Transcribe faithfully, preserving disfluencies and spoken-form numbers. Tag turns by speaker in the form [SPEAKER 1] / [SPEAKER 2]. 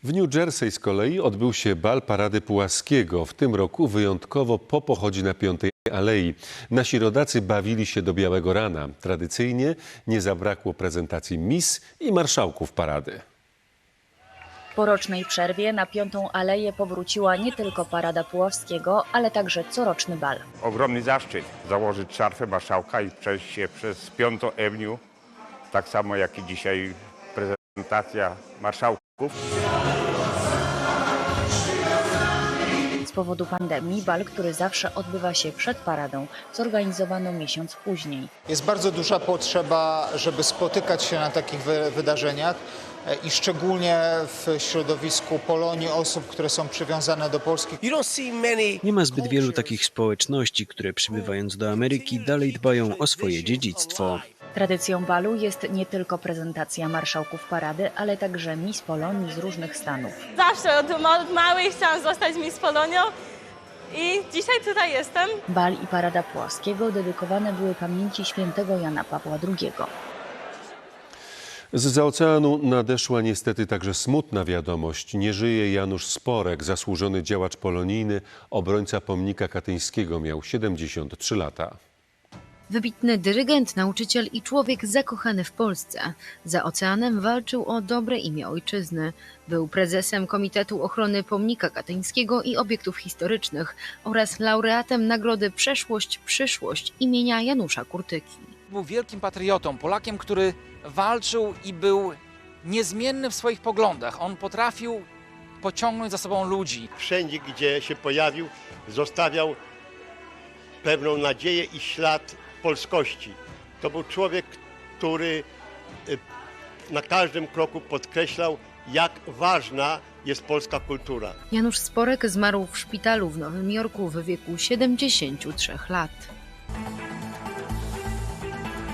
[SPEAKER 1] W New Jersey z kolei odbył się bal Parady Pułaskiego. W tym roku wyjątkowo po pochodzie na Piątej Alei. Nasi rodacy bawili się do białego rana. Tradycyjnie nie zabrakło prezentacji mis i marszałków parady.
[SPEAKER 2] Po rocznej przerwie na Piątą Aleję powróciła nie tylko Parada Puławskiego, ale także coroczny bal.
[SPEAKER 3] Ogromny zaszczyt założyć szarfę marszałka i przejść się przez Piątą Avenue, tak samo jak i dzisiaj prezentacja marszałków.
[SPEAKER 2] Z powodu pandemii bal, który zawsze odbywa się przed paradą, zorganizowano miesiąc później.
[SPEAKER 4] Jest bardzo duża potrzeba, żeby spotykać się na takich wy wydarzeniach i szczególnie w środowisku Polonii, osób, które są przywiązane do Polski.
[SPEAKER 5] Nie ma zbyt wielu takich społeczności, które przybywając do Ameryki dalej dbają o swoje dziedzictwo.
[SPEAKER 2] Tradycją balu jest nie tylko prezentacja marszałków parady, ale także Miss Polonii z różnych stanów.
[SPEAKER 6] Zawsze od ma małej chciałam zostać Miss Polonią i dzisiaj tutaj jestem.
[SPEAKER 2] Bal i Parada Puławskiego dedykowane były pamięci świętego Jana Pawła drugiego.
[SPEAKER 1] Zza oceanu nadeszła niestety także smutna wiadomość. Nie żyje Janusz Sporek, zasłużony działacz polonijny, obrońca pomnika katyńskiego, miał siedemdziesiąt trzy lata.
[SPEAKER 7] Wybitny dyrygent, nauczyciel i człowiek zakochany w Polsce. Za oceanem walczył o dobre imię ojczyzny. Był prezesem Komitetu Ochrony Pomnika Katyńskiego i Obiektów Historycznych oraz laureatem nagrody Przeszłość-Przyszłość imienia Janusza Kurtyki.
[SPEAKER 8] Był wielkim patriotą, Polakiem, który walczył i był niezmienny w swoich poglądach. On potrafił pociągnąć za sobą ludzi.
[SPEAKER 9] Wszędzie, gdzie się pojawił, zostawiał pewną nadzieję i ślad polskości. To był człowiek, który na każdym kroku podkreślał, jak ważna jest polska kultura.
[SPEAKER 7] Janusz Sporek zmarł w szpitalu w Nowym Jorku w wieku siedemdziesięciu trzech lat.